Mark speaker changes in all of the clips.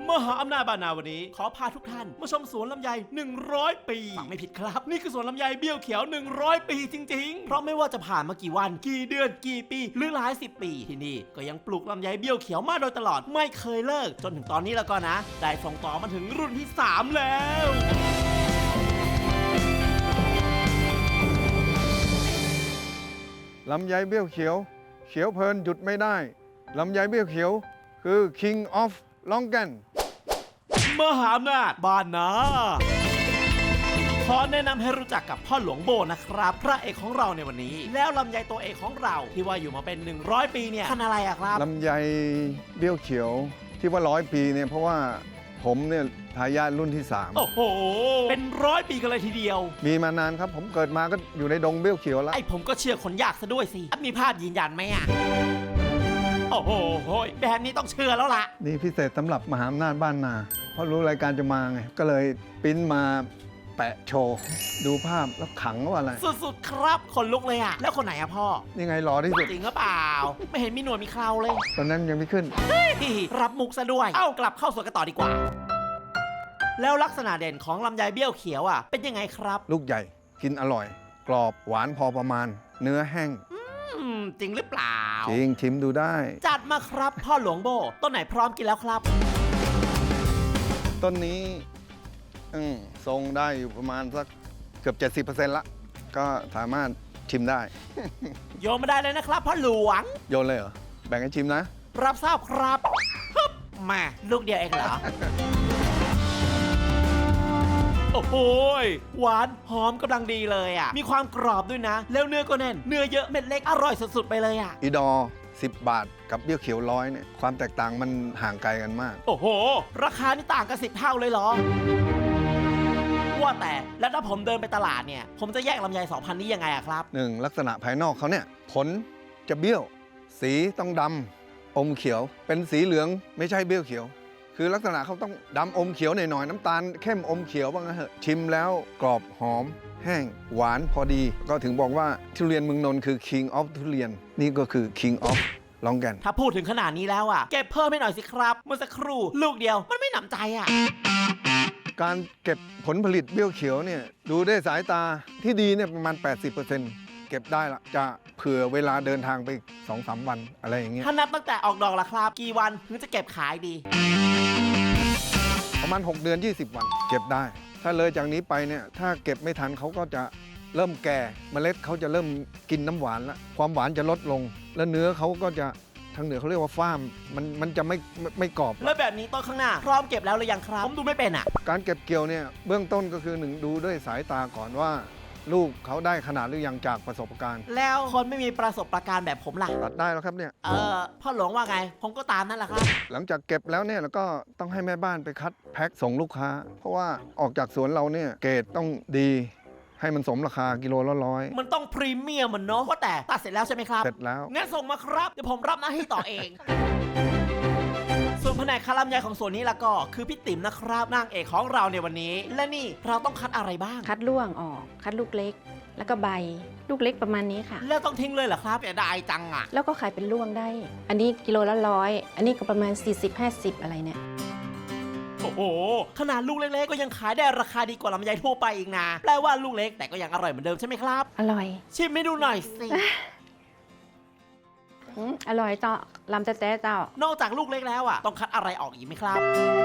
Speaker 1: มหาอำนาจบานาวันนี้ขอพาทุกท่านมาชมสวนลำไย100 ปีฟังไม่ผิดครับนี่คือสวนลำไยเบี้ยวเขียว100 ปีจริงๆเพราะไม่ว่าจะผ่านมากี่วันกี่เดือนกี่ปีหรือหลาย10 ปีที่นี่ก็ยังปลูกลำไยเบี้ยวเขียวมาโดยตลอดไม่เคยเลิกจนถึงตอนนี้แล้วก็นะได้ส่งต่อมาถึงรุ่นที่3แล้ว
Speaker 2: ลำไยเบี้ยวเขียวเขียวเพลินหยุดไม่ได้ลำไยเบี้ยวเขียวคือ King of Longan
Speaker 1: มหาอำนาจบ้านนาขอแนะนำให้รู้จักกับพ่อหลวงโบนะครับพระเอกของเราในวันนี้แล้วลำไยตัวเอกของเราที่ว่าอยู่มาเป็น100 ปีเนี่ยพันธุ์อะไรอะครับ
Speaker 2: ลำไยเบี้ยวเขียวที่ว่า100 ปีเนี่ยเพราะว่าผมเนี่ยทายาทรุ่นที่3
Speaker 1: โอ้โหเป็น100 ปีกันเลยทีเดียว
Speaker 2: มีมานานครับผมเกิดมาก็อยู่ในดงเบี้ยวเขียวแล้ว
Speaker 1: ไอ้ผมก็เชื่อคนยากซะด้วยสิมีภาพยืนยันไหมอะโอ้โหแบบนี้ต้องเชื่อแล้วล่ะ
Speaker 2: นี่พิเศษสำหรับมหาอำนาจบ้านนาเพราะรู้รายการจะมาไงก็เลยปริ้นมาแปะโชว์ดูภาพแล้วขังว่าอะไร
Speaker 1: สุดๆครับคนลุกเลยอะแล้วคนไหนอะพ่อ
Speaker 2: นี่ไงหล่อที่สุด
Speaker 1: จริงหรือเปล่าไม่เห็นมีหนวดมีเคราเลย
Speaker 2: ตอนนั้นยังไม่ขึ้น
Speaker 1: รับมุกซะด้วยกลับเข้าสวนกันต่อดีกว่าแล้วลักษณะเด่นของลำไยเบี้ยวเขียวอ่ะเป็นยังไงครับ
Speaker 2: ลูกใหญ่กินอร่อยกรอบหวานพอประมาณเนื้อแห้ง
Speaker 1: จริงหรือเปล่า
Speaker 2: จริงชิมดูได้
Speaker 1: จัดมาครับพ่อหลวงโบต้นไหนพร้อมกินแล้วครับ
Speaker 2: ต้นนี้ทรงได้อยู่ประมาณสักเกือบ 70% ละก็สามารถชิมได้
Speaker 1: โยนมาได้เลยนะครับพ่อหลวง
Speaker 2: โยนเลยเหรอแบ่งให้ชิมนะ
Speaker 1: รับทราบครับมาลูกเดียวเองเหรอ โอ้โหหวานหอมกำลังดีเลยอ่ะมีความกรอบด้วยนะแล้วเนื้อก็แน่นเนื้อเยอะเม็ดเล็กอร่อยสุดๆไปเลยอ่ะ
Speaker 2: อีดอ10 บาทกับเบี้ยวเขียว100เนี่ยความแตกต่างมันห่างไกลกันมาก
Speaker 1: โอ้โหราคานี่ต่างกัน10 เท่าเลยเหรอว่าแต่แล้วถ้าผมเดินไปตลาดเนี่ยผมจะแยกลำไย2,000นี้ยังไงอะครับ
Speaker 2: 1ลักษณะภายนอกเขาเนี่ยผลจะเบี้ยวสีต้องดำอมเขียวเป็นสีเหลืองไม่ใช่เบี้ยวเขียวคือลักษณะเขาต้องดำอมเขียวหน่อยๆน้ำตาลเข้มอมเขียวบ้างนะเหอะชิมแล้วกรอบหอมแห้งหวานพอดีก็ถึงบอกว่าทุเรียนเมืองนนท์คือ King of ทุเรียนนี่ก็คือ King of ลองกัน
Speaker 1: ถ้าพูดถึงขนาดนี้แล้วอ่ะเก็บเพิ่มให้หน่อยสิครับเมื่อสักครู่ลูกเดียวมันไม่หนำใจอ่ะ
Speaker 2: การเก็บผลผลิตเบี้ยวเขียวเนี่ยดูได้สายตาที่ดีเนี่ยประมาณ 80%เก็บได้ละจะเผื่อเวลาเดินทางไป 2-3 วันอะไรอย่างเงี้ย
Speaker 1: ถ้านับตั้งแต่ออกดอกละครับกี่วันถึงจะเก็บขายดี
Speaker 2: ประมาณ6 เดือน 20 วันเก็บได้ถ้าเลยจากนี้ไปเนี่ยถ้าเก็บไม่ทันเขาก็จะเริ่มแก่เมล็ดเขาจะเริ่มกินน้ำหวานแล้วความหวานจะลดลงแล้วเนื้อเขาก็จะทางเหนือเขาเรียกว่าฟ้ามมันจะไม่กรอบ
Speaker 1: แล้วแบบนี้ต้นข้างหน้าพร้อมเก็บแล้วหรือยังครับผมดูไม่เป็นอ่ะ
Speaker 2: การเก็บเกี่ยวเนี่ยเบื้องต้นก็คือ1ดูด้วยสายตาก่อนว่าลูกเขาได้ขนาดหรือยังจากประสบการณ์
Speaker 1: แล้วคนไม่มีประสบการณ์แบบผมล่ะ
Speaker 2: ตัดได้แล้วครับเนี่ย
Speaker 1: พ่อหลวงว่าไงผมก็ตามนั่นแหละครับ
Speaker 2: หลังจากเก็บแล้วเนี่ยเราก็ต้องให้แม่บ้านไปคัดแพ็คส่งลูกค้าเพราะว่าออกจากสวนเราเนี่ยเกรดต้องดีให้มันสมราคากิโลละ100
Speaker 1: มันต้องพรีเมียมมันเนาะว่าแต่ตัดเสร็จแล้วใช่ไหมครับ
Speaker 2: เสร็จแล้ว
Speaker 1: งั้นส่งมาครับเดี๋ยวผมรับหน้าที่ต่อเองส่วนแผนกคาลำไยของส่วนนี้ละก็คือพี่ติ๋มนะครับนางเอกของเราในวันนี้และนี่เราต้องคัดอะไรบ้าง
Speaker 3: คัดล่วงออกคัดลูกเล็กแล้วก็ใบลูกเล็กประมาณนี้ค่ะ
Speaker 1: แล้วต้องทิ้งเลยเหรอครับอย่าได้จังอ่ะ
Speaker 3: แล้วก็ขายเป็นล่วงได้อันนี้กิโลละ100อันนี้ก็ประมาณ40-50อะไรเนี่ย
Speaker 1: โอ้โหขนาดลูกเล็กๆก็ยังขายได้ราคาดีกว่าลำไยทั่วไปอีกนะแปลว่าลูกเล็กแต่ก็ยังอร่อยเหมือนเดิมใช่ไหมครับ
Speaker 3: อร่อย
Speaker 1: ชิมให้ดูหน่อยสิ
Speaker 3: อร่อยเจ้าลำแต๊ะเจ้าน
Speaker 1: อกจากลูกเล็กแล้วอ่ะต้องคัดอะไรออกอีกไหมครับ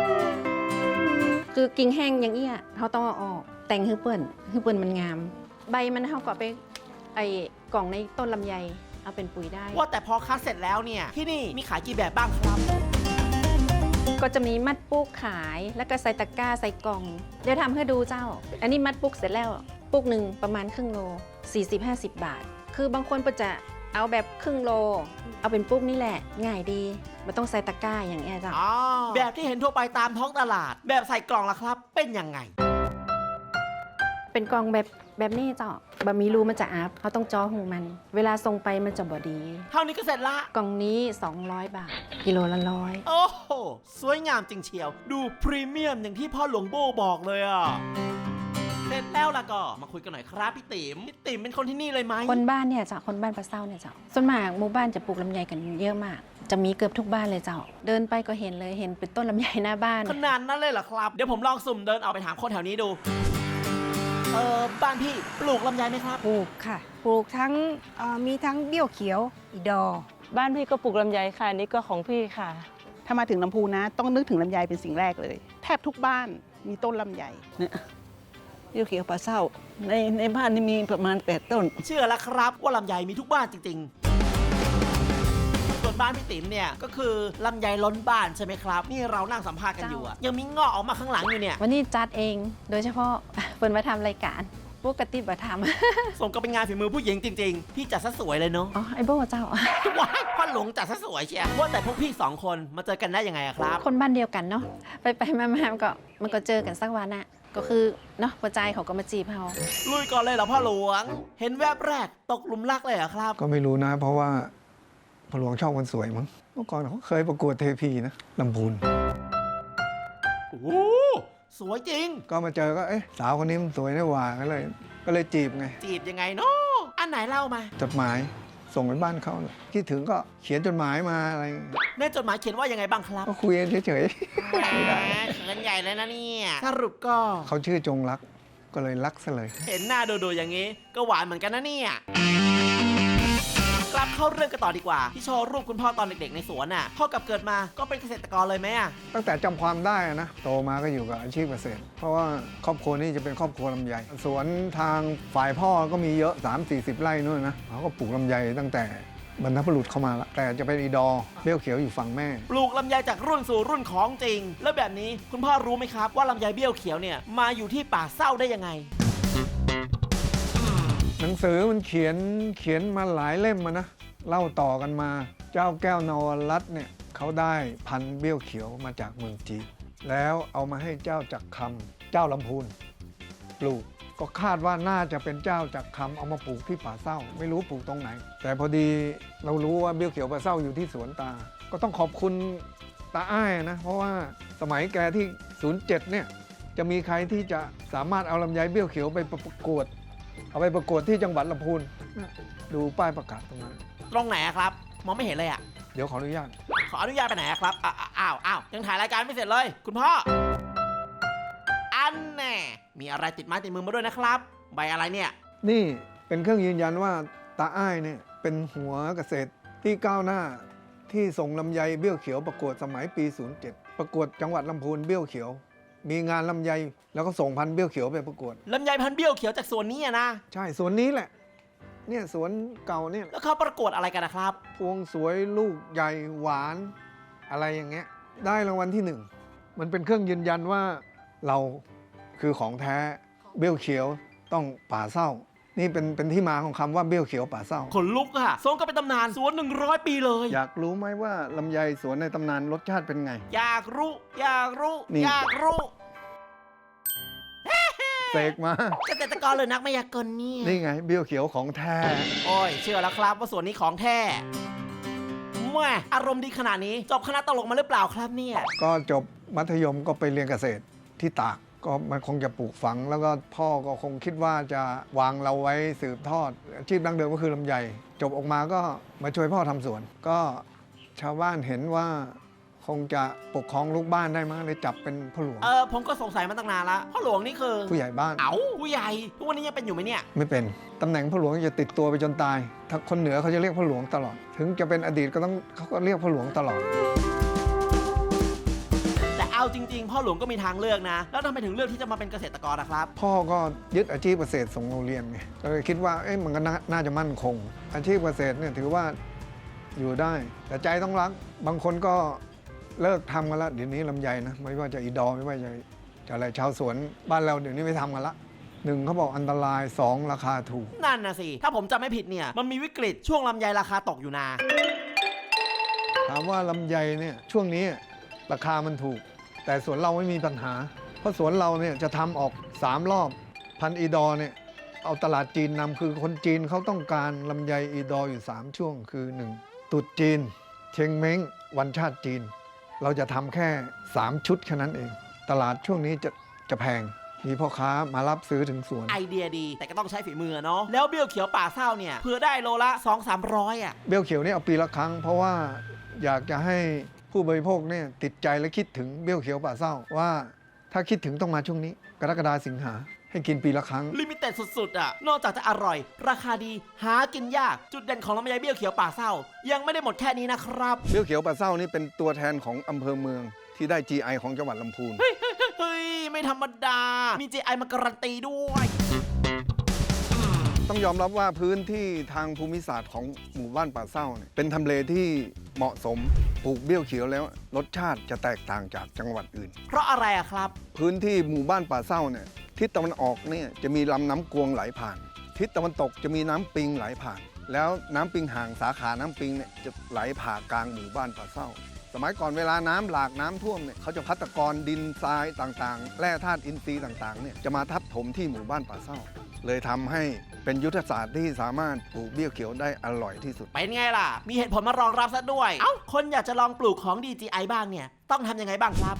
Speaker 3: คือกิ่งแห้งอย่างเงี้ยเขาต้องเอาออกแต่งให้เปื่อนมันงามใบมันเขาก็ไปไอ้กล่องในต้นลำไยเอาเป็นปุ๋ยได้
Speaker 1: ว่าแต่พอคัดเสร็จแล้วเนี่ยที่นี่มีขายกี่แบบบ้างครับ
Speaker 3: ก็จะมีมัดปุ๊กขายแล้วก็ใส่ตะกร้าใส่กล่องเดี๋ยวทำให้ดูเจ้าอันนี้มัดปุ๊กเสร็จแล้วปุ๊กหนึ่งประมาณครึ่งโล40-50 บาทคือบางคนก็จะเอาแบบครึ่งโลเอาเป็นปุ๊กนี่แหละง่ายดีไม่ต้องใส่ตะกร้าอย่างเงี้ยเจ้า
Speaker 1: แบบที่เห็นทั่วไปตามท้องตลาดแบบใส่กล่องล่ะครับเป็นยังไง
Speaker 3: เป็นกล่องแบบนี้เจ้าบะหมี่รูมันจะอับเขาต้องจ่อหูมันเวลาส่งไปมันจะบอดี
Speaker 1: เท่านี้ก็เสร็จละ
Speaker 3: กล่องนี้200 บาทกิโลละ100
Speaker 1: โอ้โหสวยงามจริงเชียวดูพรีเมียมอย่างที่พ่อหลวงโบบอกเลยอ่ะเสร็จแล้วล่ะก็มาคุยกันหน่อยครับพี่ติ๋มเป็นคนที่นี่เลยไหม
Speaker 3: คนบ้านเนี่ยจ้ะคนบ้านปลาเศร้าเนี่ยจ้ะส่วนมากหมู่บ้านจะปลูกลำไยกันเยอะมากจะมีเกือบทุกบ้านเลยเจ้า เดินไปก็เห็นเลยเห็นเป็นต้นลำไยหน้าบ้าน
Speaker 1: ขนาดนั้นเลยเหรอครับ เดี๋ยวผมลองสุ่มเดินออกไปถามคนแถวนี้ดู บ้านพี่ปลูกลำไยไหมครับ
Speaker 4: ปลูกค่ะ ปลูกทั้งมีทั้งเบี้ยวเขียวอีดอ
Speaker 5: บ้านพี่ก็ปลูกลำไยค่ะนี่ก็ของพี่ค่ะ
Speaker 6: ถ้ามาถึงลำพูนนะ ต้องนึกถึงลำไยเป็นสิ่งแรกเลย แทบทุกบ้านมีต้นลำไย
Speaker 5: เบี้ยวเขียวปลาเศร้าในบ้านนี่มีประมาณ8 ต้น
Speaker 1: เชื่อแล้วครับว่าลำไยมีทุกบ้านจริงๆ ส่วนบ้านพี่ติ๋มเนี่ยก็คือลำไยล้นบ้านใช่ไหมครับ นี่เรานั่งสัมภาษณ์กันอยู่อะยังมีงอกออกมาข้างหลังอยู่เนี่ย
Speaker 3: วันนี้จัดเองโดยเฉพาะ เปิดมาทำรายการปกติบ่ทำ
Speaker 1: สมกับเป็นงานฝีมือผู้หญิงจริงๆ พี่จัดซะสวยเลยเนาะ
Speaker 3: อ๋อไอโบ้เจ้า
Speaker 1: ว้ายพ่อหลวงจัดซะสวยเชียว่าแต่พวกพี่สองคนมาเจอกันได้ยังไงอะครับ
Speaker 3: คนบ้านเดียวกันเนาะไปมามันก็เจอกันสักวันอะก็คือเนาะปัจจัยเขาก็มาจีบเรา
Speaker 1: ลุยก่อนเลยเหรอพ่อหลวง เห็นแวบแรกตกหลุมรักเลยเหรอครับ
Speaker 2: ก็ไม่รู้นะ เพราะว่าพ่อหลวงชอบคนสวยมั้งเมื่อก่อนเขาเคยประกวดเทพีนะลำพูน
Speaker 1: โอ้โหสวยจริง
Speaker 2: ก็มาเจอก็เอ๊ะสาวคนนี้มันสวยนี่หว่าก็เลยจีบไง
Speaker 1: จีบยังไงเนาะอันไหนเล่ามา
Speaker 2: จดหมายส่งไปบ้านเขาน่ะคิดถึงก็เขียนจดหมายมาอะไรอย่างเงี้ย
Speaker 1: ในจดหมายเขียนว่ายังไงบ้างครับ
Speaker 2: ก็คุยกันเฉย
Speaker 1: แหมเขินใหญ่เลยนะเนี่ยสรุปก็
Speaker 2: ๆ เขาชื่อจงรักก็เลยรักซะเลย
Speaker 1: เห็นหน้าดูๆอย่างนี้ ก็หวานเหมือนกันนะเนี่ยกลับเข้าเรื่องกันต่อดีกว่า ที่โชว์รูปคุณพ่อตอนเด็กๆในสวนน่ะพ่อกับเกิดมาก็เป็นเกษตรกรเลยไหมอะ
Speaker 2: ตั้งแต่จำความได้อะนะโตมาก็อยู่กับอาชีพเกษตร เพราะว่าครอบครัวนี่จะเป็นครอบครัวลำไยสวนทางฝ่ายพ่อก็มีเยอะ 3-40 ไร่นู่นนะเขาก็ปลูกลำไยตั้งแต่บรรพบุรุษเข้ามาละแต่จะเป็นอีดอเบี้ยวเขียวอยู่ฝั่งแม่
Speaker 1: ปลูกลำไยจากรุ่นสู่รุ่นของจริง แล้วแบบนี้คุณพ่อรู้ไหมครับว่าลำไยเบี้ยวเขียวเนี่ยมาอยู่ที่ป่าเศร้าได้ยังไง
Speaker 2: หนังสือมันเขียนมาหลายเล่มมานะเล่าต่อกันมาเจ้าแก้วนวรัตน์เนี่ยเขาได้พันธุ์เบี้ยวเขียวมาจากเมืองจีนแล้วเอามาให้เจ้าจักรคำเจ้าลำพูนปลูกก็คาดว่าน่าจะเป็นเจ้าจักรคำเอามาปลูกที่ป่าเศร้า ไม่รู้ปลูกตรงไหน แต่พอดีเรารู้ว่าเบี้ยวเขียวป่าเศร้าอยู่ที่สวนตา ก็ต้องขอบคุณตาอ้ายนะเพราะว่าสมัยแกที่ 07 เนี่ยจะมีใครที่จะสามารถเอาลำไยเบี้ยวเขียวไปประกวด เอาไปประกวดที่จังหวัดลำพูนดูป้ายประกาศตรงนั้น
Speaker 1: ตรงไหนอะครับ มองไม่เห็นเลยอะ
Speaker 2: เดี๋ยวขออนุญาต
Speaker 1: ขออนุญาตไปไหนอะครับอ้าวยังถ่ายรายการไม่เสร็จเลย คุณพ่ออันแน่มีอะไรติดไม้ติดมือมาด้วยนะครับใบอะไรเนี่ย
Speaker 2: นี่เป็นเครื่องยืนยันว่าตาอ้ายเนี่ยเป็นหัวเกษตรที่ก้าวหน้าที่ส่งลำไยเบี้ยวเขียวประกวดสมัยปี 07 ประกวดจังหวัดลำพูนเบี้ยวเขียว มีงานลำไยแล้วก็ส่งพันธุ์เบี้ยวเขียวไปประกวด
Speaker 1: ลำไยพันธุ์เบี้ยวเขียวจากสวนนี้อะนะ
Speaker 2: ใช่สวนนี้แหละเนี่ยสวนเก่าเนี่ย
Speaker 1: แล้วเขาประกวดอะไรกันนะครับ
Speaker 2: พวงสวยลูกใหญ่หวานอะไรอย่างเงี้ยได้รางวัลที่หนึ่งมันเป็นเครื่องยืนยันว่าเราคือของแท้เบี้ยวเขียวต้องป่าเศร้า นี่เป็นที่มาของคำว่าเบี้ยวเขียวป่าเศร้า
Speaker 1: ขนลุกอะสมก็เป็นตำนานสวน100 ปีเลย
Speaker 2: อยากรู้ไหมว่าลำไยสวนในตำนานรสชาติเป็นไง
Speaker 1: อยากรู้
Speaker 2: นี่
Speaker 1: อยากรู้
Speaker 2: เสกมา
Speaker 1: เกษตรกรเลยนักมายากลเนี่ย
Speaker 2: นี่ไงเบี้ยวเขียวของแท้
Speaker 1: โอ้ยเชื่อแล้วครับว่าสวนนี้ของแท้แม่อารมณ์ดีขนาดนี้จบคณะตลกมาหรือเปล่าครับเนี่ย
Speaker 2: ก็จบมัธยมก็ไปเรียนเกษตรที่ตากก็มันคงจะปลูกฝัง แล้วก็พ่อก็คงคิดว่าจะวางเราไว้สืบทอดอาชีพดั้งเดิมก็คือลำไยจบออกมาก็มาช่วยพ่อทำสวน ก็ชาวบ้านเห็นว่าคงจะปกครองลูกบ้านได้มั้งเลยจับเป็นพ่อหลวง
Speaker 1: ผมก็สงสัยมาตั้งนานละพ่อหลวงนี่คือ
Speaker 2: ผู้ใหญ่บ้าน
Speaker 1: เอ้าผู้ใหญ่ทุกวันนี้ยังเป็นอยู่ไหมเนี่ย
Speaker 2: ไม่เป็นตำแหน่งพ่อหลวงจะติดตัวไปจนตาย ถ้าคนเหนือเขาจะเรียกพ่อหลวงตลอด ถึงจะเป็นอดีตก็ต้องเขาก็เรียกพ่อหลวงตลอด
Speaker 1: แต่เอาจริง ๆ พ่อหลวงก็มีทางเลือกนะ แล้วทำไมถึงเลือกที่จะมาเป็นเกษตรกรนะครับ
Speaker 2: พ่อก็ยึดอาชีพเกษตรส่งโรงเรียนไงก็เลยคิดว่ามันก็น่าจะมั่นคง อาชีพเกษตรเนี่ยถือว่าอยู่ได้ แต่ใจต้องรัก บางคนก็เลิกทำกันละเดี๋ยวนี้ลำไยนะไม่ว่าจะอีดอไม่ว่าจะอะไรชาวสวนบ้านเราเดี๋ยวนี้ไม่ทำกันละหนึ่งเขาบอกอันตรายสองราคาถูก
Speaker 1: นั่นนะสิ ถ้าผมจำไม่ผิดเนี่ยมันมีวิกฤตช่วงลำไยราคาตกอยู่นะ
Speaker 2: ถามว่าลำไยเนี่ยช่วงนี้ราคามันถูก แต่สวนเราไม่มีปัญหา เพราะสวนเราเนี่ยจะทำออก3รอบพันธุ์อีดอเนี่ยเอาตลาดจีนนำคือคนจีนเขาต้องการลำไยอีดออยู่3ช่วงคือ 1. ตรุษจีน เชงเม้งวันชาติจีน เราจะทำแค่3ชุดแค่นั้นเอง ตลาดช่วงนี้จะแพงมีพ่อค้ามารับซื้อถึงสวน
Speaker 1: ไอเดียดีแต่ก็ต้องใช้ฝีมือเนาะแล้วเบี้ยวเขียวป่าเศร้าเนี่ยเพื่อได้โลละ 200-300อ่ะ
Speaker 2: เบี้ยวเขียวนี่เอาปีละครั้งเพราะว่าอยากจะให้ผู้บริโภคเนี่ยติดใจและคิดถึงเบี้ยวเขียวป่าเศร้าว่าถ้าคิดถึงต้องมาช่วงนี้กรกฎาสิงหาให้กินปีละครั้ง
Speaker 1: ลิมิเต็ดสุดๆอ่ะ นอกจากจะอร่อย ราคาดี หากินยาก จุดเด่นของลำไยเบี้ยวเขียวป่าเศร้า ยังไม่ได้หมดแค่นี้นะครับ
Speaker 2: เบี้ยวเขียวป่าเศร้านี่เป็นตัวแทนของอำเภอเมืองที่ได้ GI ของจังหวัดลำพูน
Speaker 1: เฮ้ย ไม่ธรรมดา มี GI มาการันตีด้วย
Speaker 2: ต้องยอมรับว่าพื้นที่ทางภูมิศาสตร์ของหมู่บ้านป่าเศร้าเนี่ยเป็นทำเลที่เหมาะสมปลูกเบี้ยวเขียวแล้วรสชาติจะแตกต่างจากจังหวัดอื่น
Speaker 1: เพราะอะไรอะครับ
Speaker 2: พื้นที่หมู่บ้านป่าเศร้าเนี่ยทิศตะวันออกเนี่ยจะมีลำน้ำกวงไหลผ่าน ทิศตะวันตกจะมีน้ำปิงไหลผ่าน แล้วน้ำปิงห่างสาขาน้ำปิงเนี่ยจะไหลผ่ากลางหมู่บ้านป่าเศร้า สมัยก่อนเวลาน้ำหลากน้ำท่วมเนี่ยเขาจะพัฒกรดินทรายต่างๆแร่ธาตุอินทรีย์ต่างๆเนี่ยจะมาทับถมที่หมู่บ้านป่าเศร้า เลยทำให้เป็นยุทธศาสตร์ที่สามารถปลูกเบี้ยวเขียวได้อร่อยที่สุด
Speaker 1: เป็นไงล่ะ มีเหตุผลมารองรับซะด้วย เอ้า คนอยากจะลองปลูกของ DGI บ้างเนี่ย ต้องทำยังไงบ้างครับ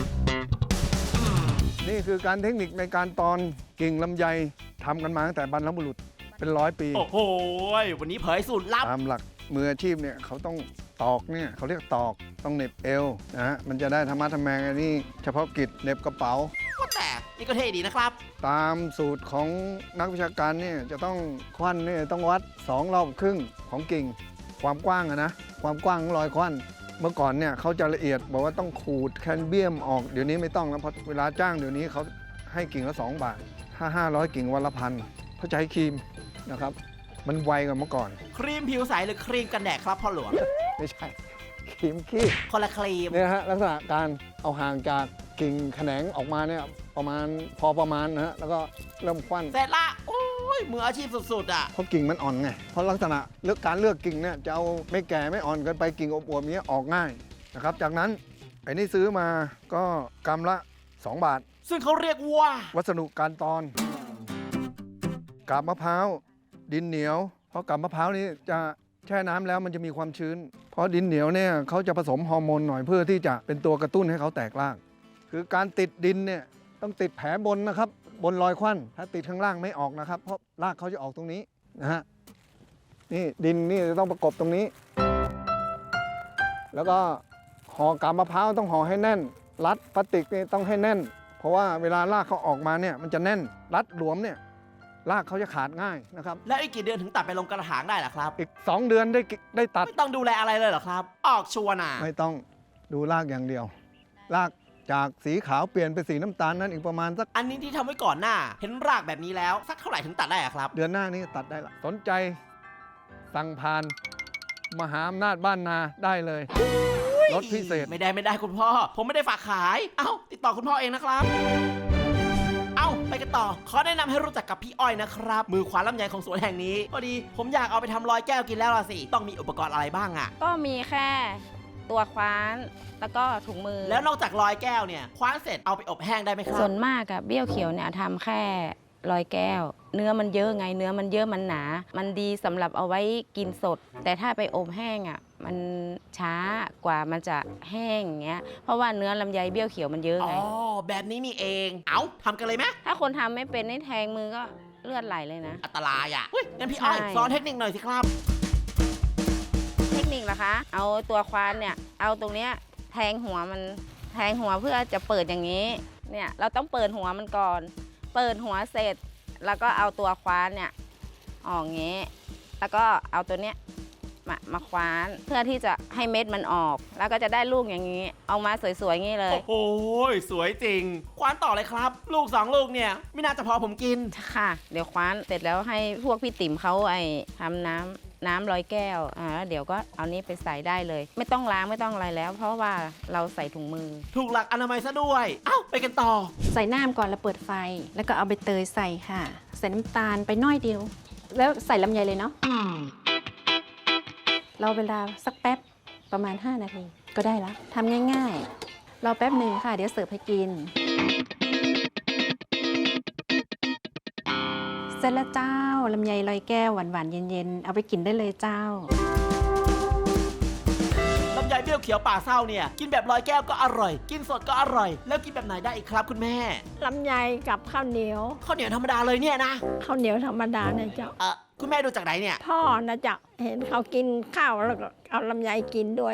Speaker 2: นี่คือการเทคนิคในการตอนกิ่งลำไยทำกันมาตั้งแต่บรรพบุรุษเป็น100 ปี
Speaker 1: โอ้โห วันนี้เผยสูตรลับ
Speaker 2: ตามหลักมืออาชีพเนี่ยเขาต้องตอกเนี่ยเขาเรียกตอกต้องเหน็บเอวนะฮะมันจะได้ธรรมะทำแมงอันนี้เฉพาะกิจเหน็บกระเป๋า
Speaker 1: ว่าแต่นี่ก็เท่ดีนะครับ
Speaker 2: ตามสูตรของนักวิชาการเนี่ยจะต้องควันเนี่ยต้องวัด2 รอบครึ่งของกิ่งความกว้างอะนะความกว้างของรอยควันเมื่อก่อนเนี่ยเขาจะละเอียดบอกว่าต้องขูดแคนเบียมออกเดี๋ยวนี้ไม่ต้องแล้วเพราะเวลาจ้างเดี๋ยวนี้เขาให้กิ่งละ2 บาทถ้า500 กิ่งวันละพันเขาใช้ครีมนะครับมันไวกว่าเมื่อก่อน
Speaker 1: ครีมผิวใสหรือครีมกันแดดครับพ่อหลวง
Speaker 2: ไม่ใช่ครีมขี้
Speaker 1: คนละครีม
Speaker 2: เนี่ยฮะลักษณะการเอาห่างจากกิ่งแขนงออกมาเนี่ยประมาณพอประมาณนะฮะแล้วก็เริ่มควัน
Speaker 1: เสร็จละ โอ้ย มืออาชีพสุดๆอ่ะ
Speaker 2: เพราะกิ่งมันอ่อนไงเพราะลักษณะการเลือกกิ่งเนี่ยจะเอาไม่แก่ไม่อ่อนเกินไปกิ่งอวบๆเนี้ยออกง่ายนะครับจากนั้นไอ้นี่ซื้อมาก็กำละ 2 บาท
Speaker 1: ซึ่งเขาเรียกว่า
Speaker 2: วัสดุการตอนกาบมะพร้าวดินเหนียวเพราะกาบมะพร้าวนี่จะแช่น้ำแล้วมันจะมีความชื้น เพราะดินเหนียวเนี่ยเขาจะผสมฮอร์โมนหน่อยเพื่อที่จะเป็นตัวกระตุ้นให้เขาแตกรากคือการติดดินเนี่ยต้องติดแผลบนนะครับบนรอยควันถ้าติดข้างล่างไม่ออกนะครับเพราะรากเขาจะออกตรงนี้นะฮะนี่ดินนี่จะต้องประกบตรงนี้ แล้วก็ห่อกาบมะพร้าวต้องห่อให้แน่นรัดพลาสติกนี่ต้องให้แน่น เพราะว่าเวลารากเขาออกมาเนี่ยมันจะแน่นรัดหลวมเนี่ยรากเขาจะขาดง่ายนะครับ
Speaker 1: แล้วอีกกี่เดือนถึงตัดไปลงกระถางได้ล่ะครับ
Speaker 2: อีก 2 เดือนได้ตัด
Speaker 1: ไม่ต้องดูแลอะไรเลยเหรอครับ ออกชัวร์นะ
Speaker 2: ไม่ต้องดูรากอย่างเดียว รากจากสีขาวเปลี่ยนเป็นสีน้ำตาลนั้นอีกประมาณสัก
Speaker 1: อันนี้ที่ทำไว้ก่อนหน้า เห็นรากแบบนี้แล้ว สักเท่าไหร่ถึงตัดได้อะครับ
Speaker 2: เดือนหน้านี้ตัดได้ละสนใจสั่งผ่านมหาอำนาจบ้านนาได้เลยลดพิเศษ
Speaker 1: ไม่ได้คุณพ่อ ผมไม่ได้ฝากขาย เอ้า ติดต่อคุณพ่อเองนะครับ เอ้า ไปกันต่อ ขอแนะนำให้รู้จักกับพี่อ้อยนะครับ มือขวาลำไยของสวนแห่งนี้ พอดีผมอยากเอาไปทำลอยแก้วกินแล้วล่ะสิ ต้องมีอุปกรณ์อะไรบ้างอะ
Speaker 3: ก็มีแค่ตัวคว้านแล้วก็ถุงมือ
Speaker 1: แล้วนอกจากลอยแก้วเนี่ย คว้านเสร็จเอาไปอบแห้งได้ไหมครั
Speaker 3: ส่
Speaker 1: บ
Speaker 3: วนมากอะเบี้ยวเขียวเนี่ยทำแค่ร้อยแก้ว เนื้อมันเยอะไง เนื้อมันเยอะมันหนา มันดีสำหรับเอาไว้กินสด แต่ถ้าไปอบแห้งอะมันช้ากว่ามันจะแห้งอย่างเงี้ย เพราะว่าเนื้อลำไยเบี้ยวเขียวมันเยอะ
Speaker 1: อ๋
Speaker 3: ไง
Speaker 1: อ แบบนี้มีเอง เอ้าทำกันเลยไหม
Speaker 3: ถ้าคนทำไม่เป็นนี่แทงมือก็เลือดไหลเลยนะ
Speaker 1: อันตรายอ่ะเฮ้ยงั้นพี่อ้อย
Speaker 3: ใช่
Speaker 1: สอนเทคนิคหน่อยสิครับ
Speaker 3: เทคนิคเหรอคะ เอาตัวควานเนี่ย เอาตรงเนี้ยแทงหัวมันแทงหัวเพื่อจะเปิดอย่างนี้ เนี่ยเราต้องเปิดหัวมันก่อน เปิดหัวเสร็จ แล้วก็เอาตัวควานเนี่ยออกอย่างนี้ แล้วก็เอาตัวเนี้ยมาคว้านเพื่อที่จะให้เม็ดมันออก แล้วก็จะได้ลูกอย่างนี้ เอามาสวยๆอย่างนี้เลย
Speaker 1: โอ้โหสวยจริง คว้านต่อเลยครับ ลูก2 ลูกเนี่ย ไม่น่าจะพอผมกิน
Speaker 3: ค่ะ เดี๋ยวคว้านเสร็จแล้วให้พวกพี่ติ๋มเขาทำน้ำร้อยแก้วแล้วเดี๋ยวก็เอานี้ไปใส่ได้เลย ไม่ต้องล้างไม่ต้องอะไรแล้ว เพราะว่าเราใส่ถุงมือ
Speaker 1: ถูกหลักอนามัยซะด้วย เอ้า ไปกันต่อ
Speaker 3: ใส่น้ำก่อนแล้วเปิดไฟ แล้วก็เอาใบเตยใส่ค่ะ ใส่น้ำตาลไปน้อยเดียว แล้วใส่ลำไยเลยเนาะเราเวลาสักแป๊บประมาณ5 นาทีก็ได้แล้วทำง่ายๆรอแป๊บหนึ่งค่ะ เดี๋ยวเสิร์ฟให้กิน เสร็จแล้วเจ้าลำไยลอยแก้วหวานๆเย็นๆเอาไปกินได้เลยเจ้า
Speaker 1: ลำไยเบี้ยวเขียวป่าเศร้าเนี่ย กินแบบลอยแก้วก็อร่อย กินสดก็อร่อย แล้วกินแบบไหนได้อีกครับคุณแม่
Speaker 7: ลำไยกับข้าวเหนียว
Speaker 1: ข้าวเหนียวธรรมดาเลยเนี่ยนะ
Speaker 7: ข้าวเหนียวธรรมดาเนี่ยเจ้า
Speaker 1: คุณแม่ดูจากไหนเนี่ย
Speaker 7: พ่อนะเจ้าเห็นเขากินข้าวแล้วก็เอาลำไยกินด้วย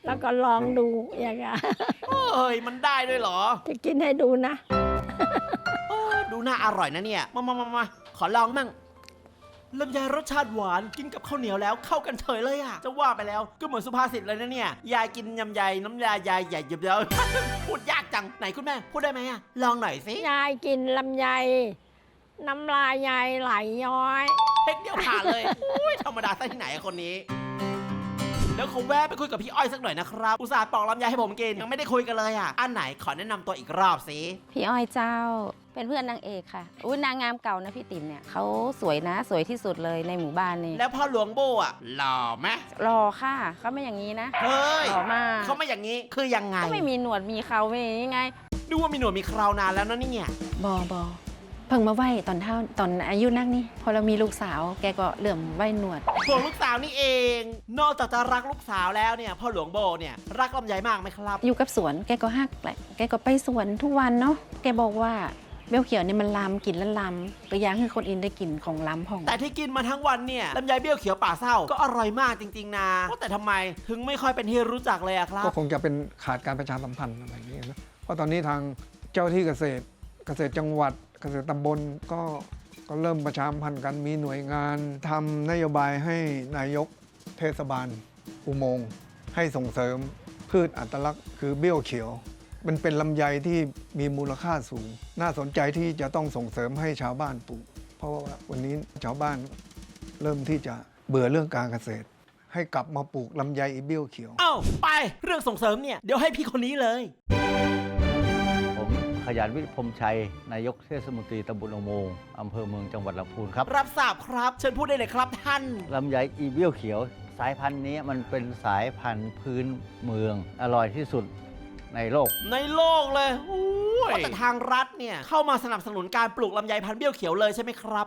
Speaker 7: แล้วก็ลองดูอย่างเงี้ย
Speaker 1: เฮ้ยมันได้ด้วยเหรอ
Speaker 7: จะกินให้ดูนะ
Speaker 1: ดูน่าอร่อยนะเนี่ย มาขอลองมั่งลำไยรสชาติหวานกินกับข้าวเหนียวแล้วเข้ากันเฉยเลยอ่ะ จะว่าไปแล้วก็เหมือนสุภาษิตเลยนะเนี่ย ยายกินยำใยน้ำยายายใหญ่เยอะๆ พูดยากจัง ไหนคุณแม่ พูดได้ไหมอ่ะ ลองหน่อยสิ
Speaker 7: ยายกินลำไย น้ำลายยายไหลย้อย
Speaker 1: เทคเดียวผ่านเลยอุ้ยธรรมดาซะที่ไหนอะคนนี้ เดี๋ยวขอแวะไปคุยกับพี่อ้อยสักหน่อยนะครับ อุตส่าห์ปอกลำไยให้ผมกิน ยังไม่ได้คุยกันเลยอ่ะ อันไหนขอแนะนำตัวอีกรอบสิ
Speaker 3: พี่อ้อยเจ้าเป็นเพื่อนนางเอกค่ะอุ้ยนางงามเก่านะพี่ติ๋มเนี่ยเขาสวยนะสวยที่สุดเลยในหมู่บ้านนี่
Speaker 1: แล้วพ่อหลวงโบอ่ะหล่อไหม
Speaker 3: รอค่ะเขาไม่อย่างนี้นะ
Speaker 1: เฮ้ย
Speaker 3: หล่อมาก
Speaker 1: เขาไม่อย่างนี้คือยังไง
Speaker 3: ก็ไม่มีหนวดมีเขาไม่ยังไง
Speaker 1: ดูว่ามีหนวดมีเคราวนานแล้วนะเนี่ย
Speaker 3: บเพิ่งมาไหวตอนอายุนักนี่พอเรามีลูกสาวแกก็เหลื่อมไหวหนวด
Speaker 1: ห่วงลูกสาวนี่เอง นอกจากจะรักลูกสาวแล้วเนี่ยพ่อหลวงโบเนี่ยรักลำไยมากไหมครับ
Speaker 3: อยู่กับสวนแกก็ฮักแหละแกก็ไปสวนทุกวันเนาะแกบอกว่าเบลเขียวเนี่ยมันลำกลิ่นแล้วลำก็อยากให้คนอื่นได้กลิ่นของลำของ
Speaker 1: แต่ที่กินมาทั้งวันเนี่ยลำไยเบี้ยวเขียวป่าเศร้าก็อร่อยมากจริงๆนะว่าแต่ทำไมถึงไม่ค่อยเป็นที่รู้จักเลยอะครับ
Speaker 2: ก็คงจะเป็นขาดการประชาสัมพันธ์อะไรอย่างเงี้ยนะเพราะตอนนี้ทางเจ้าที่เกษตรจังหวัดเกษตรตำบลก็เริ่มประชาสัมพันธ์กันมีหน่วยงานทำนโยบายให้นายกเทศบาลอุโมงค์ให้ส่งเสริมพืชอัตลักษณ์คือเบี้ยวเขียว มันเป็นลำไยที่มีมูลค่าสูง น่าสนใจที่จะต้องส่งเสริมให้ชาวบ้านปลูก เพราะว่าวันนี้ชาวบ้านเริ่มที่จะเบื่อเรื่องการเกษตร ให้กลับมาปลูกลำไยเบี้ยวเขียว
Speaker 1: เอ้าไปเรื่องส่งเสริมเนี่ยเดี๋ยวให้พี่คนนี้เลย
Speaker 8: ผมขยันวิทย์พรหมชัย นายกเทศมนตรีตำบลอุโมงค์อำเภอเมืองจังหวัดลำพูนครับ
Speaker 1: รับทราบครับเชิญพูดได้เลยครับท่าน
Speaker 8: ลำไยอีเบี้ยวเขียว สายพันธุ์นี้มันเป็นสายพันธุ์พื้นเมือง อร่อยที่สุดในโลก
Speaker 1: ในโลกเลยแต่ทางรัฐเนี่ยเข้ามาสนับสนุนการปลูกลำไยพันธุ์เบี้ยวเขียวเลยใช่ไหมครับ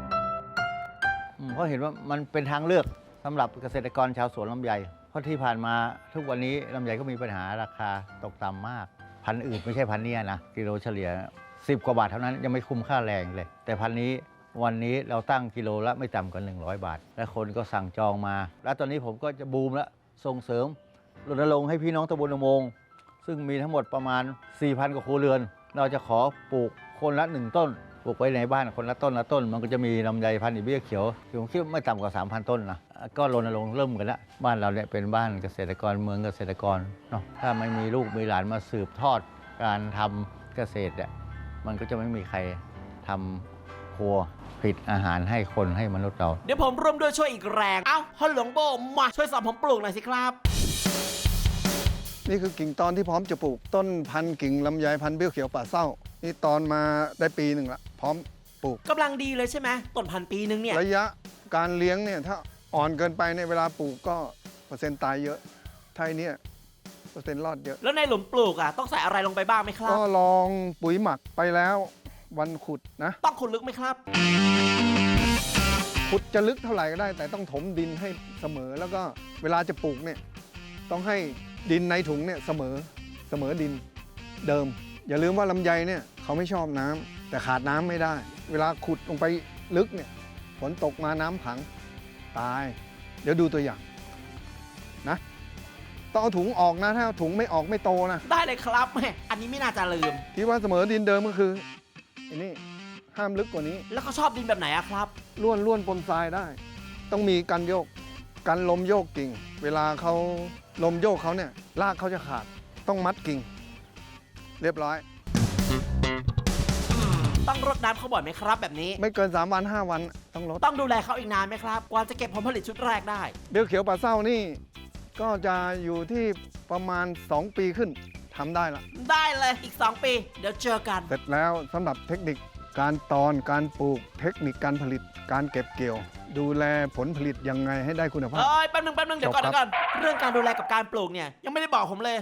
Speaker 8: เพราะเห็นว่ามันเป็นทางเลือกสำหรับเกษตรกรชาวสวนลำไย เพราะที่ผ่านมาทุกวันนี้ลำไยก็มีปัญหาราคาตกต่ำมาก พันธุ์อื่นไม่ใช่พันธุ์นี้นะกิโลเฉลี่ย10 กว่าบาทเท่านั้นยังไม่คุ้มค่าแรงเลย แต่พันธุ์นี้วันนี้เราตั้งกิโลละไม่ต่ำกว่า100 บาท และคนก็สั่งจองมา แล้วตอนนี้ผมก็จะบูมแล้วส่งเสริมรณรงค์ให้พี่น้องตำบลอุโมงค์ซึ่งมีทั้งหมดประมาณ 4,000 กว่าครัวเรือน เราจะขอปลูกคนละ1 ต้นปลูกไว้ในบ้านคนละต้นละต้น มันก็จะมีลำไยพันธุ์อีเบี้ยเขียวผมคิดว่าไม่ต่ำกว่า 3,000 ต้นนะก็รณรงค์เริ่มกันแล้วบ้านเราเนี่ยเป็นบ้านเกษตรกรเมืองเกษตรกรเนาะถ้าไม่มีลูกมีหลานมาสืบทอดการทำเกษตรเนี่ยมันก็จะไม่มีใครทำครัวผลิตอาหารให้คนให้มนุษย์เรา
Speaker 1: เดี๋ยวผมร่วมด้วยช่วยอีกแรงเอ้าพ่อหลวงโบมาช่วยสอนผมปลูกหน่อยสิครับ
Speaker 2: นี่คือกิ่งตอนที่พร้อมจะปลูกต้นพันธุ์กิ่งลำไยพันธุ์เบี้ยวเขียวป่าเศร้านี่ตอนมาได้ปีหนึ่งละพร้อมปลูก
Speaker 1: กำลังดีเลยใช่ไหมต้นพันปีนึงเนี่ย
Speaker 2: ระยะการเลี้ยงเนี่ยถ้าอ่อนเกินไปในยเวลาปลูกก็เปอร์เซ็นต์ตายเยอะถ้าไอ้เนี่ยเปอร์เซ็นต์รอดเยอะ
Speaker 1: แล้วในหลุมปลูกอ่ะต้องใส่อะไรลงไปบ้างไหมครับ
Speaker 2: ก็ลองปุ๋ยหมักไปแล้ววันขุดนะ
Speaker 1: ต้องขุดลึกไหมครับ
Speaker 2: ขุดจะลึกเท่าไหร่ก็ได้ แต่ต้องถมดินให้เสมอแล้วก็เวลาจะปลูกเนี่ยต้องให้ดินในถุงเนี่ยเสมอดินเดิม อย่าลืมว่าลำไยเนี่ยเขาไม่ชอบน้ำแต่ขาดน้ำไม่ได้ เวลาขุดลงไปลึกเนี่ยฝนตกมาน้ำขังตาย เดี๋ยวดูตัวอย่างนะต้องเอาถุงออกนะถ้าเอาถุงไม่ออกไม่โตนะ
Speaker 1: ได้เลยครับแม่อันนี้ไม่น่าจะลืม
Speaker 2: ที่ว่าเสมอดินเดิมก็คืออันนี้ห้ามลึกกว่านี้
Speaker 1: แล้วเขาชอบดินแบบไหนอะครับ
Speaker 2: ล้วนปนทรายได้ ต้องมีกันโยกกันลมโยกกิ่ง เวลาเขาลมโยกเขาเนี่ยรากเขาจะขาดต้องมัดกิ่ง เรียบร้อย
Speaker 1: ต้องรดน้ำเขาบ่อยไหมครับแบบนี้
Speaker 2: ไม่เกิน3 วัน 5 วันต้องลด
Speaker 1: ต้องดูแลเขาอีกนานไหมครับกว่าจะเก็บผลผลิตชุดแรกได้
Speaker 2: เบี้ยวเขียวป่าเศร้านี่ก็จะอยู่ที่ประมาณ 2 ปีขึ้นทำได้ละ
Speaker 1: ได้เลยอีก 2 ปี เดี๋ยวเจอกัน
Speaker 2: เสร็จแล้วสำหรับเทคนิคการตอนการปลูกเทคนิคการผลิตการเก็บเกี่ยว ดูแลผลผลิตยังไงให้ได้คุณภาพ
Speaker 1: เอ้ยแป๊บนึงเดี๋ยวก่อน
Speaker 2: จบครับ
Speaker 1: เดี๋ยวก่อนเรื่องการดูแลกับการปลูกเนี่ยยังไม่ได้บอกผมเลย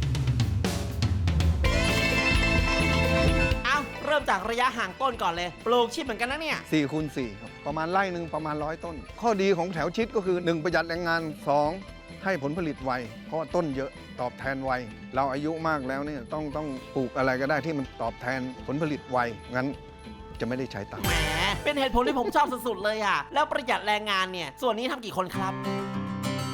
Speaker 1: เอ้าเริ่มจากระยะห่างต้นก่อนเลยปลูกชิดเหมือนกันนะเนี่ย
Speaker 2: 4 คูณ 4ครับประมาณไร่หนึ่งประมาณ100 ต้น ข้อดีของแถวชิดก็คือ 1 ประหยัดแรงงาน 2 ให้ผลผลิตไวเพราะว่าต้นเยอะตอบแทนไวเราอายุมากแล้วเนี่ยต้องปลูกอะไรก็ได้ที่มันตอบแทนผลผลิตไวงั้นจะไม่ได้ใช้ตังค์
Speaker 1: แหมเป็นเหตุผลที่ผมชอบสุดๆเลยอ่ะแล้วประหยัดแรงงานเนี่ยส่วนนี้ทำกี่คนครับ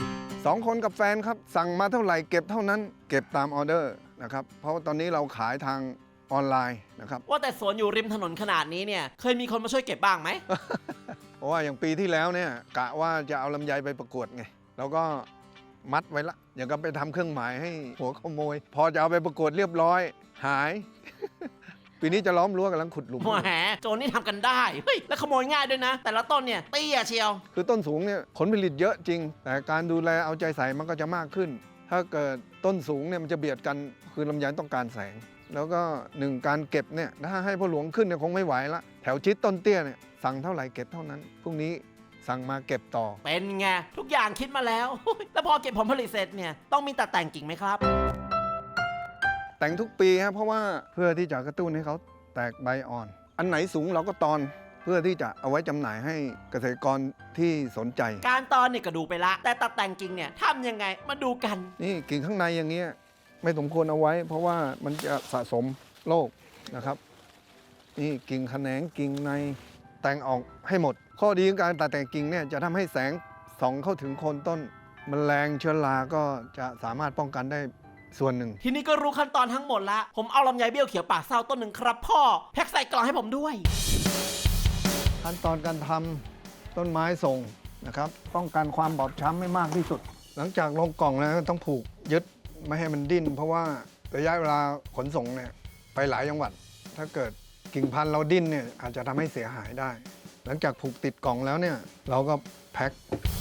Speaker 2: 2 คนกับแฟนครับ สั่งมาเท่าไหร่เก็บเท่านั้น เก็บตามออเดอร์นะครับ เพราะว่าตอนนี้เราขายทางออนไลน์นะครับ
Speaker 1: ว่าแต่สวนอยู่ริมถนนขนาดนี้เนี่ยเคยมีคนมาช่วยเก็บบ้างไหม
Speaker 2: เพราะว่าอย่างปีที่แล้วเนี่ยกะว่าจะเอาลำไยไปประกวดไงแล้วก็มัดไว้ละอย่างกับไปทำเครื่องหมายให้หัวขโมย พอจะเอาไปประกวดเรียบร้อยหาย ปีนี้จะล้อมรั้วกำลังขุดหลุม
Speaker 1: แหมโจรนี่ทำกันได้เฮ้ยแล้วขโมยง่ายด้วยนะ แต่ละต้นเนี่ยเตี้ยเชียว
Speaker 2: คือต้นสูงเนี่ยผลผลิตเยอะจริง แต่การดูแลเอาใจใส่มันก็จะมากขึ้น ถ้าเกิดต้นสูงเนี่ยมันจะเบียดกันคือลำไยต้องการแสง แล้วก็การเก็บเนี่ยถ้าให้พ่อหลวงขึ้นเนี่ยคงไม่ไหวละแถวชิดต้นเตี้ยเนี่ยสั่งเท่าไหร่เก็บเท่านั้นพรุ่งนี้สั่งมาเก็บต่อ
Speaker 1: เป็นไงทุกอย่างคิดมาแล้ว แล้วพอเก็บผลผลิตเสร็จเนี่ยต้องมีตัดแต่งกิ่งไหมครับ
Speaker 2: แต่งทุกปีครับเพราะว่าเพื่อที่จะกระตุ้นให้เขาแตกใบอ่อน อันไหนสูงเราก็ตอนเพื่อที่จะเอาไว้จำหน่ายให้เกษตรกรที่สนใจ
Speaker 1: การตอนเนี่ยก็ดูไปละ แต่ตัดแต่งกิ่งเนี่ยทำยังไงมาดูกัน
Speaker 2: นี่กิ่งข้างในอย่างเงี้ยไม่สมควรเอาไว้ เพราะว่ามันจะสะสมโรคนะครับ นี่กิ่งแขนงกิ่งในแต่งออกให้หมด ข้อดีของการตัดแต่งกิ่งเนี่ยจะทำให้แสงส่องเข้าถึงโคนต้นแมลงเชื้อราก็จะสามารถป้องกันได้ส่วนหนึ่ง
Speaker 1: ทีนี้ก็รู้ขั้นตอนทั้งหมดละผมเอาลำไยเบี้ยวเขียวปากเศร้าต้นหนึ่งครับพ่อแพ็คใส่กล่องให้ผมด้วย
Speaker 2: ขั้นตอนการทำต้นไม้ส่งนะครับป้องกันความบอบช้ำไม่มากที่สุด หลังจากลงกล่องแล้วต้องผูกยึดไม่ให้มันดิ้น เพราะว่าระยะเวลาขนส่งเนี่ยไปหลายจังหวัด ถ้าเกิดกิ่งพันธุ์เราดิ้นเนี่ยอาจจะทำให้เสียหายได้ หลังจากผูกติดกล่องแล้วเนี่ยเราก็แพ็ค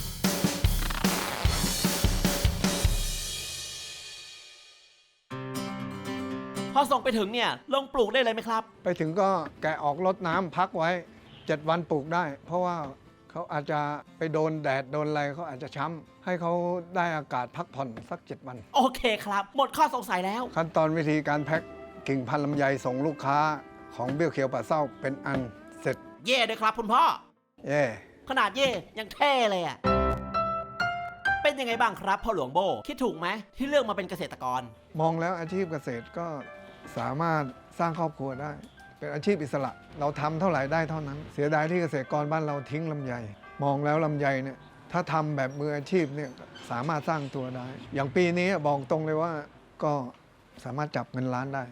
Speaker 1: พอส่งไปถึงเนี่ยลงปลูกได้เลยไหมครับ
Speaker 2: ไปถึงก็แกะออกรดน้ำพักไว้ 7 วันปลูกได้ เพราะว่าเขาอาจจะไปโดนแดดโดนอะไรเขาอาจจะช้ำให้เขาได้อากาศพักผ่อนสัก 7 วัน
Speaker 1: โอเคครับ หมดข้อสงสัยแล้ว
Speaker 2: ขั้นตอนวิธีการแพ็คกิ่งพันธุ์ลำไยส่งลูกค้าของเบี้ยวเขียวป่าเศร้าเป็นอันเสร็จ
Speaker 1: เย่ด้วยครับคุณพ่อ
Speaker 2: เย่
Speaker 1: ขนาดเย่ยังเท่เลยอะเป็นยังไงบ้างครับพ่อหลวงโบคิดถูกไหมที่เลือกมาเป็นเกษตรกร
Speaker 2: มองแล้วอาชีพเกษตรก็สามารถสร้างครอบครัวได้ เป็นอาชีพอิสระ เราทำเท่าไหร่ได้เท่านั้น เสียดายที่เกษตรกรบ้านเราทิ้งลำไย มองแล้วลำไยเนี่ยถ้าทำแบบมืออาชีพเนี่ยสามารถสร้างตัวได้ อย่างปีนี้บอกตรงเลยว่าก็สามารถจับเงินล้านได้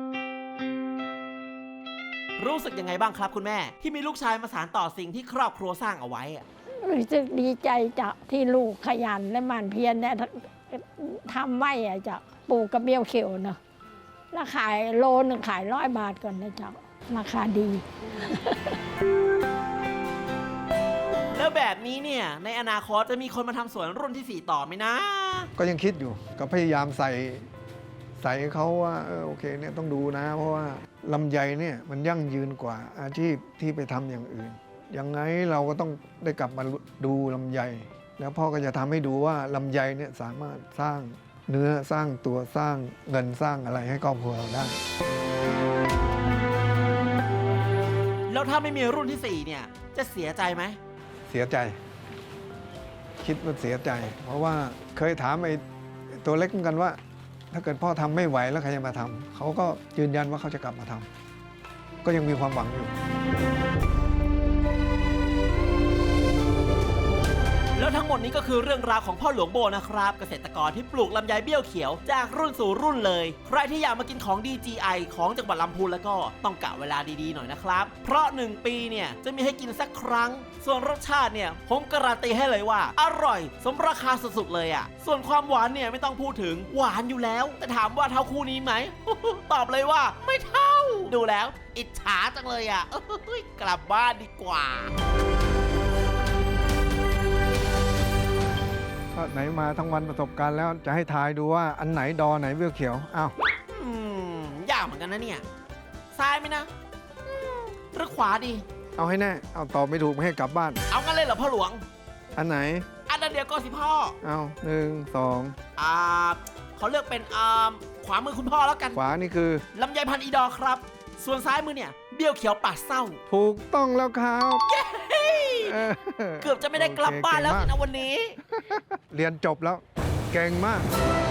Speaker 1: รู้สึกยังไงบ้างครับคุณแม่ ที่มีลูกชายมาสานต่อสิ่งที่ครอบครัวสร้างเอาไว้อะ
Speaker 7: รู้สึกดีใจจ้ะที่ลูกขยันและหมั่นเพียรเนี่ยทำไม่อะจ้ะปลูกกระเบี้ยวเขียวเนาะแล้วขายโลนึงขาย100 บาทก่อนนะจ๊ะราคาดี
Speaker 1: แล้วแบบนี้เนี่ยในอนาคตจะมีคนมาทำสวนรุ่นที่ 4 ต่อไหมนะ
Speaker 2: ก็ยังคิดอยู่ก็พยายามใส่เขาว่าโอเคเนี่ยต้องดูนะ เพราะว่าลำไยเนี่ยมันยั่งยืนกว่าอาชีพที่ไปทำอย่างอื่นยังไงเราก็ต้องได้กลับมาดูลำไย แล้วพ่อก็จะทำให้ดูว่าลำไยเนี่ยสามารถสร้างเนื้อสร้างตัวสร้างเงินสร้างอะไรให้ครอบครัวเราได้
Speaker 1: แล้วถ้าไม่มีรุ่นที่ 4 เนี่ยจะเสียใจไหม
Speaker 2: เสียใจ คิดว่าเสียใจ เพราะว่าเคยถามไอ้ตัวเล็กเหมือนกันว่า ถ้าเกิดพ่อทำไม่ไหวแล้วใครจะมาทำเขาก็ยืนยันว่าเขาจะกลับมาทำก็ยังมีความหวังอยู่
Speaker 1: แล้วทั้งหมดนี้ก็คือเรื่องราวของพ่อหลวงโบนะครับ เกษตรกรที่ปลูกลำไยเบี้ยวเขียวจากรุ่นสู่รุ่นเลย ใครที่อยากมากินของ DGI ของจังหวัดลำพูนแล้วก็ต้องกะเวลาดีๆหน่อยนะครับ เพราะ1 ปีเนี่ยจะมีให้กินสักครั้ง ส่วนรสชาติเนี่ยผมการันตีให้เลยว่า อร่อยสมราคาสุดๆเลยอ่ะส่วนความหวานเนี่ยไม่ต้องพูดถึงหวานอยู่แล้ว แต่ถามว่าเท่าคู่นี้ไหม ตอบเลยว่าไม่เท่า ดูแล้ว อิจฉาจังเลยอ่ะ กลับบ้านดีกว่า
Speaker 2: ไหนมาทั้งวันประสบการณ์แล้วจะให้ทายดูว่าอันไหนดอไหนเบี้ยวเขียวอ้าวย
Speaker 1: ากเหมือนกันนะเนี่ย ซ้ายไหมนะหรือขวาดี
Speaker 2: เอาให้แน่เอาตอบไม่ถูกไม่ให้กลับบ้าน
Speaker 1: เอางั้นเลยเหรอพ่อหลวง
Speaker 2: อันไหน
Speaker 1: อันนั้นเดียวก็สิพ่อ
Speaker 2: เอา1
Speaker 1: เขาเลือกเป็นขวามือคุณพ่อแล้วกัน
Speaker 2: 2ขวานี่คือ
Speaker 1: ลำไยพันธุ์อีดอร์ครับ ส่วนซ้ายมือเนี่ยเบี้ยวเขียวปาดเศร้า
Speaker 2: ถูกต้องแล้วครับเออ
Speaker 1: เกือบจะไม่ได้กลับบ้านแล้ว
Speaker 2: โอเคเก่งมาก
Speaker 1: นะวันนี้
Speaker 2: เรียนจบแล้วเก่งมาก